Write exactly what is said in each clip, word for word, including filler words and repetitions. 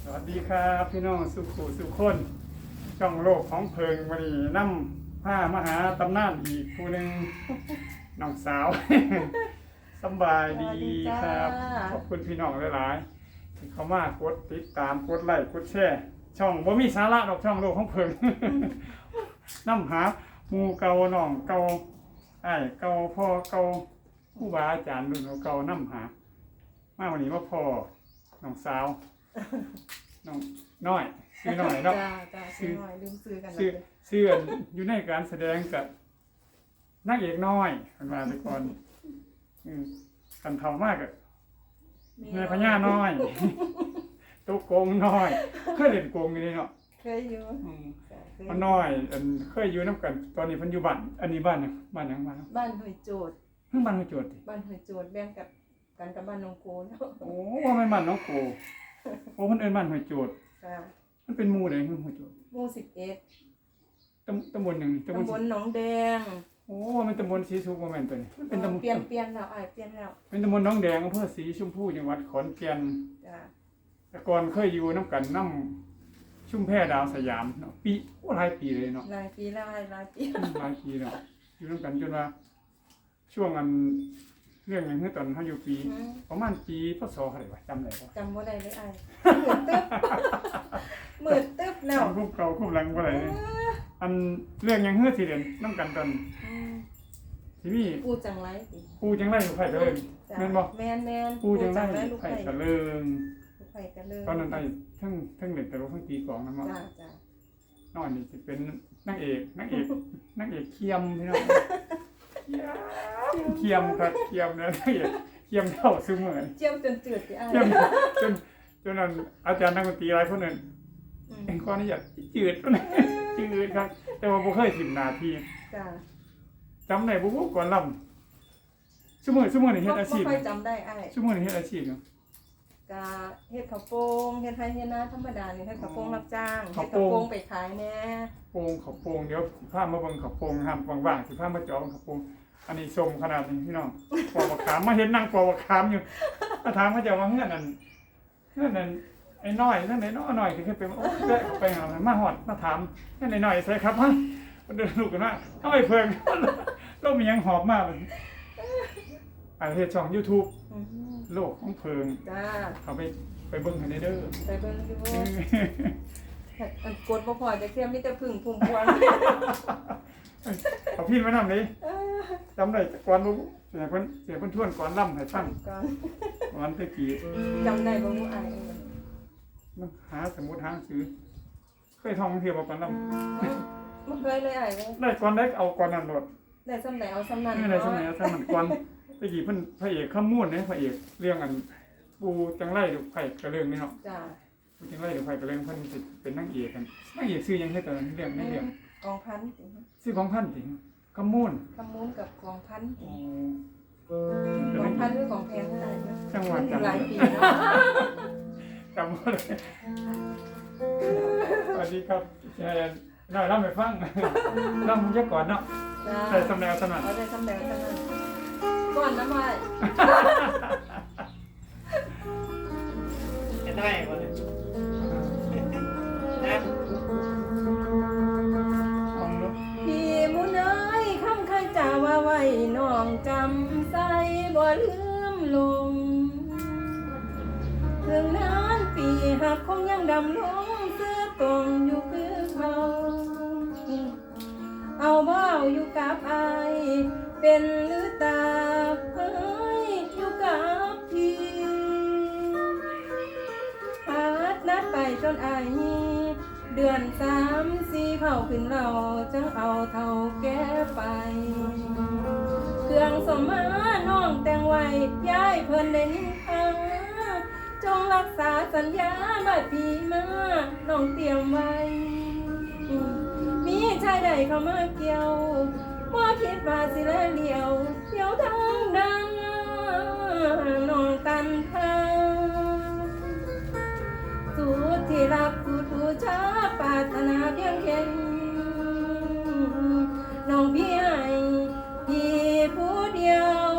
วัสดีครับพี่น้องสุขุสุขคนช่องโลกของเพิงวันนี้นำผ้ามหาตำนานอีกผู้หนึ่งน้องสาว สบายดีครับขอบคุณพี่น้องหลายๆที่เขามากดติดตามกดไลค์กดแชร์ช่องบ่มีสาระดอกช่องโลกของเพิง นำหาหมู่เก่าน้องเก่าไอ้เก่าพ่อเก่าผู้บาอาจารย์รุ่นเก่านำหามาวันนี้มาพ่อน้องสาวน้องน้อยซื้อหน่อยเนาะจ้าจ้าซื้อหน่อยลืมซื้อกันซื้อซื้ออยู่ในการแสดงกับนางเอกน้อยกันมาแต่ก่อนอืมกันเท่ามากอะแม่พญาน้อยตุ๊กโกงน้อยเคยเล่นโกงอยู่นี่เนาะเคยอยู่อืมมันน้อยอันเคยอยู่น้ำกัน ตอนนี้เพันอยู่บ้านอันนี้บ้านเนี่ยบ้านหยังบ้านบ้านหอยโจดเพิ่งบ้านมาโจทย์ดิบ้านหอยโจดแบ่งกับกันกับบ้านน้องโกนโอ้ว่าไม่นบ้านน้องโกโอ้เพิ่นเอิ้นบ้านหอยโจทย์จ้ามันเป็นหมู่ใดคือหอยโจทย์หมู่สิบเอ็ดตำตำบลหยังนี่ตำบลหนองแดงโอ้มันตำบลศรีสุขบ่แม่นตัวนี้มันเป็นตำบลเปลี่ยนเปลี่ยนแล้วอ้ายเปลี่ยนแล้วเป็นตำบลหนองแดงอำเภอศรีชมพูจังหวัดขอนแก่นจ้าแต่ก่อนเคยอยู่น้ำกันน้ำชุ่มแพดาวสยามเนาะปีโอ้หลายปีเลยเนาะหลายปีแล้วอ้ายหลายปีหลายปีเนาะอยู่น้ำกันจนว่า ช่วงอันเรื่องอย่างเมื่อตอนเขาอยู่ปีอืมประมาณปีพศเท่าไหร่วะจำได้ปะจำบ่ได้เลยอ้ายหมื่นตึ๊บหมื่นตึ๊บแล้วจำคุบเก่าคุบหลังบ่ได้เลยอันเรื่องอย่างเมื่อที่เด่นน้ำกันตอนอืมที่นี่ปูจังไรสิปูจังไรอยู่ไผ่กระเลิงจ้าแม่นบ่แม่นแม่นปูจังไรลูกไผ่ไผ่กระเลิงลูกไผ่กันเลยตอนนั้นไอ้ทั้งทั้งเล่นตลกทั้งตีกลองนั่นเนาะจ้าจ้าน้อยนี่จะเป็นนางเอกนางเอกนางเอกเคียมพี่น้องเคียมครับเคียมนะนางเอกเคียมเท่าซึมเหมือนเจียมจนจืดสิอ้ายเคียมจนจนนั้นอาจารย์นักดนตรีหลายคนนั้นอืมเอ็งก้อนนี่อยากจืดนะจืดครับ แต่ว่าบ่เคยถิ่มหนาทีจ้าจำได้บ่บ่ก่อนลำชั่วโมงชั่วโมงนี่เฮ็ดอาชีพบ่ค่อยจำได้อ้ายชั่วโมงนี่เฮ็ดอาชีพเนาะกะเฮ็ดข้าวโป่งเฮ็ดไร่เฮ็ดนาธรรมดานี่เฮ็ดข้าวโป่งรับจ้างข้าเฮ็วดโป่งข้าวโป่งไปขายแหน่โป่งเขาโป่งเดี๋ยวสิพามาเบิ่งเขาโป่งห้ามว่างๆสิพามาเจาะเขาโป่งอันนี้ชมขนาดนี้พี่น้องปอกบักขามมาเห็นนั่งปอกบักขามอยู่มาถามเขาเจะว่าเงื่อนนั่นเงื่อนนั่นไอ้น้อยนั่นไอ้น้อยน้อยที่เคยไปโอ้แวะไปหามาฮอดมาถามนั่นไอ้น้อยใส่ครับฮะมันเดินลูกกันว่าเฮาไอ้เพิ่งเรามีหยังหอบมากอันเฮ็ดช่อง YouTube อือฮึโลกของเพิงจ้าเขาไปไปเบิ่งให้ได้เด้อไปเบิ่งดูอันกดบ่พอจะเทียมมีแต่พึ่งพุ่มพวงเอาพี่มานำนี่เออจำได้ก่อนบ่เสียเพิ่นเสียเพิ่นทวนก่อนล่ำให้ฟังก่อนวันตะกี้จำได้บ่ฮู้อ้ายมันหาสมุดหาหนังสือเคยท่องเที่ยวมาก่อนล่บ่เคยเลยอ้ายเลยำได้ก่อนได้เอาก่อนนั่นโดดได้ซำใดเอาซำนั้นนี่ในสมัยสมัยก่อนตะกี้เพิ่นพระเอกขมูลเนี่ยพระเอกเรื่องอันปูจังไรดูไผ่กระเรื่องนี่เนาะจ้าปูจังไรดูไผ่กระเรื่องเพิ่นสิเป็นนางเอกกันนางเอกชื่อหยังให้ตอนนั้นเรื่องไม่เรื่องกองพันสิชื่อของพันถึงขมูลขมูลกับกองพันโอ้กองพันหรือกองแพงเท่าไหร่นะจังหวัดจำหบ่ลายได้ปีเนาะจำบ่ได้สวัสดีครับเอ่อน้อยเล่าให้ฟังเล่ามันจะก่อนเนาะจ้าใส่สำแนวสนัดเอาได้ซำใดซำนั้นก่อนนะอ้ายจะได้บ่เนี่ยนะลองดูพี่มุนเอ้ยคำเคยจ่าว่าไว้น้องจำใส่บ่ลืมลงถึงนานปีหักคงยังดำลงเสื้อตรงอยู่คือเขาเอาบ่เอาอยู่กับอายเป็นหรือตาเฮ้ยอยู่กับพี่พาดนัดไปจนอายนี้เดือนสามสี่เผาขึ้นเราจังเอาเท่าแก่ไปเครื่องสมมาน้องแต่งไว้ย้ายเพิ่นได้นินทาจงรักษาสัญญาบัดพี่มาน้องเตรียมไว้มีชายใดเข้ามาเกี่ยวบ่คิดว่าสิแลเลี้ยวเที่ยวทางดังน้องตันทางสุดที่รักผู้ผู้ชาปรารถนาเพียงเข็นน้องพี่ให้พี่ผู้เดียว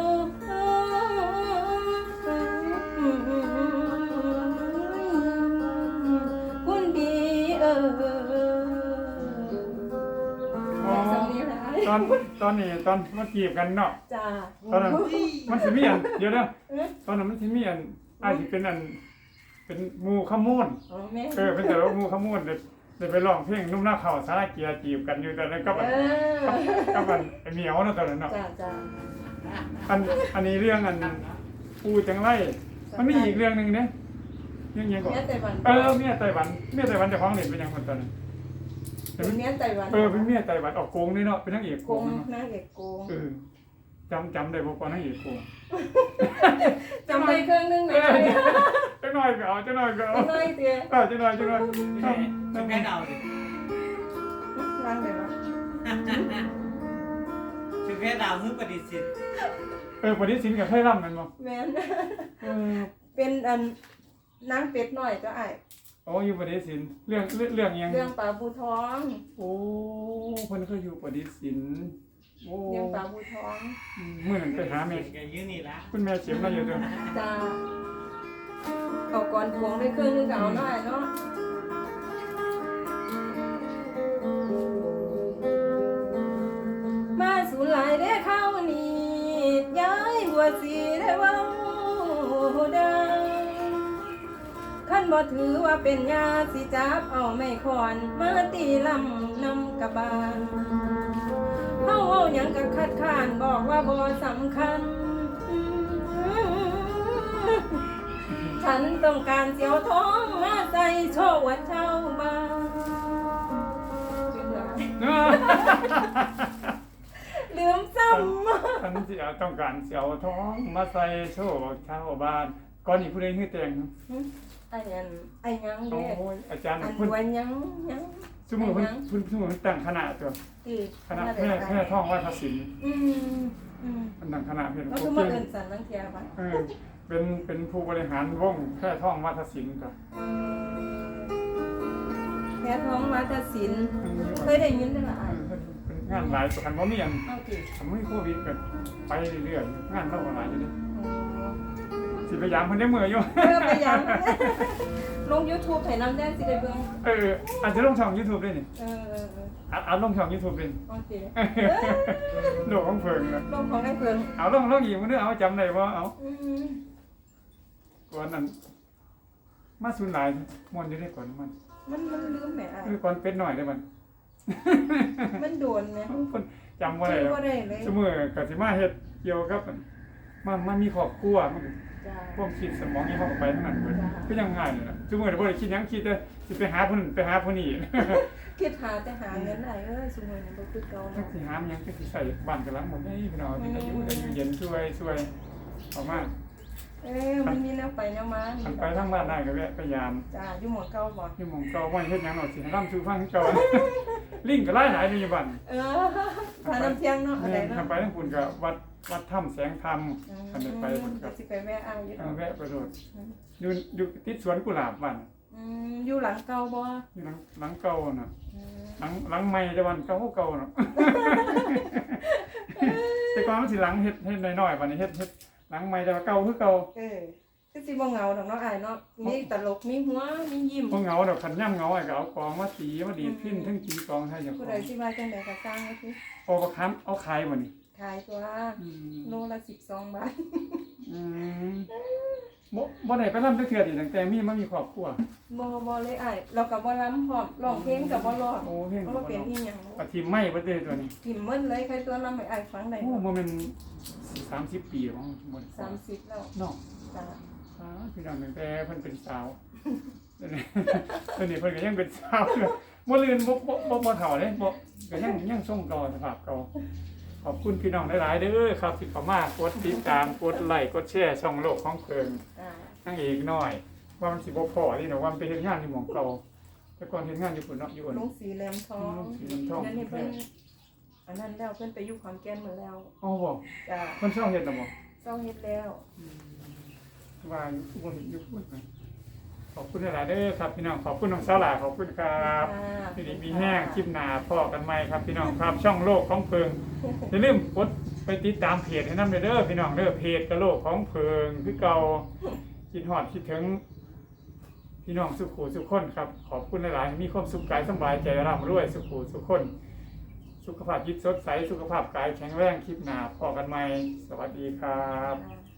อ๋อสำนี้หลายตอนตอนนี้ตอนมาจีบกันเนาะจ้าตอนนั้นมันสิมีอันเดี๋ยวนะเอ๊ะตอนนั้นมันสิมีอันอาจสิเป็นอันเป็นหมู่ขมูลอ๋อแม่เออเป็นแต่ว่าหมู่ขมูลเด้ได้ไปร้องเพลงนุ่มหน้าเขาสาราเกียร์จีบกันอยู่ตอนนั้นก็เอแบบอก็มันไอ้เหมียวเนาะตอนนั้นเนาะจ้าจ้าอันอันนี้เรื่องอันปูจังไรมันมีอีกเรื่องหนึงเนี่ยเรื่องยังก่อนเมียไต้หวันเออเมียไต้หวันเมียไต้หวันเจะฟ้าของเด่นเป็นยังคนตอนนั้นเป็นเมียไต้หวันเออเป็นเมียไต้หวันออกโกงนี่เนาะเป็นนางเอกโกโกงงเนาะนางเอกโกงเออจำจำได้บ่ก่อนนางเอกโกงจำได้เครื่องนึงไหมเออจังหน่อยก็เอาจังหน่อยก็เอาน้อยเตี้ยเออจังหน่อยจังหน่อยต้องแค่เดาดินั่งเดี๋ยวนะถึงแค่เดาเพื่อปฏิเสธเออปฏิสินกับไทยร่ำกันบ่แม่นเออเป็นอันนางเป็ดหน่อยก็ไอ้โอ้อยู่ปฏิสินเรื่องเรื่องเรื่องยังเรื่องปลาบูทองโอ้เพิ่นเคยอยู่ปฏิสินโอ้เรื่องปลาบูทองมื้อนั้นไปหาแม่กันยืนนี่ละคุณแม่เข็มมาอยู่เด้อจ้าเอาก่อนพวงได้เครื่องนึงก็เอาหน่อยเนาะมาสูหลายได้เข้านี่ย้ายหัวสีได้เว้าดังขันบ่ถือว่าเป็นยาสิจับเอาไม่คอนมาตีลำนำกะบาลเฮาเว้าหยังก็คัดค้านบอกว่าบ่สำคัญ ฉันต้องการเสียวท้องมาใส่โชว์ว่าเจ้าบ้านลืมซ้ำฉันสิเอาต้องการสิเอาท้องมาใส่โชว์ชาวบ้านก่อนนี้ผู้ใดฮือแต่งไอ้ยันไอ้ยังโอ้เด้ยอาจารย์อันเพิ่นดวนยังยังซุมื้อเพิ่นเพิ่นซุมื้อเพิ่นตั้งคณะตัวอีกคณะแพร่แพร่ท่องวัฒนศิลป์อืมอืมเพิ่นตั้งคณะเพิ่นแล้วโอคือเคมาเอินสันลังเทียปะเออเป็นเป็นผู้บริหารวงแพร่ท่องวัฒนศิลป์ก็แพ้ท้องวัฒนศิลป์เคยได้ยินได้ละเออ่ะอเพิ่นเป็นงานหลายประกันบ่มีอันเอาสิทำให้โควิดก็ไปเรื่อยๆงานเท่าหลายอยู่นี่โอ้สิพยายามเพิ่นได้มื้ออยู่เออไปยัง ลง YouTube ให้น้ำแดงสิได้เบิ่งเอออาจจะลงช่อง YouTube ด้วยนี่เออเออเอออัดอัดลงช่อง YouTube ด้วยโอเคโลกของเพิ่นนะลงของได้เพิ่งเอาลงลงอีกมื้อนึงเอาจำได้บ่เอาอืมก่อนนั้นมาสูนหลายม่วนอยู่ได้ก่อนมันมันมันลืมแหมอ่ะเออก่อนเป็ดน้อยได้มันมันโดนไหมเพิ่นจำบ่ได้แล้วบ่ได้เลยซุมื้อก็สิมาเฮ็ดเกี่ยวกับมันมันมีครอบครัวมันจ้าความคิดสมองนี่เฮาก็ไปทั้งนั้นเบิดจ้ะก็ยังง่ายเลยล่ะซุมื้อนี้บ่ได้คิดหยังคิดแต่สิไปหาผู้นั้นไปหาผู้นี้คิดหาแต่หาเงินได้เอ้ยสมัยนี้บ่คือเก่าจักเนาะสิหามันหยังจักสิใส่บ้านกันหลังหมดเด้พี่น้องเป็นอายุได้อยู่เย็นช่วยช่วยออกมาเอ้ยมันมีแนวไปแนวมาคันไปทางบ้านได้ก็แวะไปยามจ้าอยู่หมองเก่าบ่อยู่หม่องเก่าบ่เฮ็ดหยังหรอกสิให้ร่ำสู่ฟังคือเก่า ลิงก็หลายหลายอยู่บ้านเออพาน้ำเที่ยงเนาะอะไรแม่นเนาะคันไปทางปุ่นก็วัดวัดถ้ำแสงธรรมอืมคันได้ไปพุ่นก็สิไปแวะอ้ายอยู่เอเนาะอแวะไปโดดอยู่อยู่ติดสวนกุหลาบบ้านอืมอยู่หลังเก่าบ่อยู่หลังหลังเก่าน่ะอืมหลังหลังใหม่แต่วันเก่าเก่าน่ะ แต่ก่อนมันสิหลังเฮ็ดเฮ็ดน้อยๆบัดนี้เฮ็ดเฮ็ดหลังใหม่แต่ว่าเก่าคือเก่าเออคือสิบ่เหงาดอกเนาะอ้ายเนาะมีตลกมีหัวมียิ้มบ่เหงาดอกคันย่ำเหงาไอ้ก็เอากองมาตีมาดีดพิ้นทั้งตีกองให้เจ้าขผู้อใดงสิมาจังไดก็สร้างไว้สิเอาบ่ค้ำเอาขายบ่นี่ขายตัวอืมโลละสิบสองบาทอืมบ่บ่ได้ไปรำจักเทื่อดิตั้งแต่มีมามีครอบครัวบ่บ่เลยอ้ายเราก็บ่ล้ำพร้อมร้องเพลงก็บ่ร้องโอ้เฮ็ดเพราะว่าเป็นอีหยังปฏิไม่บ่ได้ตัวนี้กินหมดเลยใครตัวล้ำให้อ้ายฟังได้โอ้บ่แม่นสามสิบปีแล้วบ่ได้สามสิบแล้วเนาะจ้าอ้าวพี่น้องตั้งแต่เพิ่นเป็นสาว เดี๋ยวนี้เดี๋ยวนี้เพิ่นก็ยังเป็นสาวอยู่บ่ลืนบ่บ่บ่บ่เฒ่าเด้บ่ก็ยังยังทรงเก่าสภาพเก่าขอบคุณพี่น้องหลายๆเด้อครับที่เข้ามากดติดตามกดไลค์กดแชร์ช่องโลกของเพิ่นอ่านั่งเอกน้อย ว่ามันสิบ่พอนี่เนาะว่ามันไปเฮ็ดงานอยู่หม่องเก่าแต่ก่อนเฮ็ดงานอยู่พุ่นเนาะอยู่อั่นลุงสีแหลมทองลุงสีแหลมทองนั่นนี่เพิ่นอันนั้นแล้วเพิ่นไปอยู่ขอนแก่นหมดแล้วอ๋อบ่จ้าเพิ่นชอบเฮ็ดน่ะบ่เจ้าเฮ็ดแล้วว่าอยู่บ่เห็นอยู่พุ่นนะขอบคุณหลายๆเด้อครับพี่น้องขอบคุณน้องสาวหลาขอบคุณครับที่นี่มีแห้งคลิปหน้าพอกันใหม่ครับพี่น้องครับช่องโลกของเพิงอย่าลืมกดไปติดตามเพจให้นำเด้อพี่น้องเด้อเพจกะโลกของเพิงคือเก่าคิดฮอดคิดถึงพี่น้องสุขูสุขคนครับขอบคุณหลายๆมีความสุขกายสบายใจร่ำรวยสุขูสุขคนสุขภาพจิตสดใสสุขภาพกายแข็งแรงคลิปหน้าพอกันใหม่สวัสดีครับค่ะ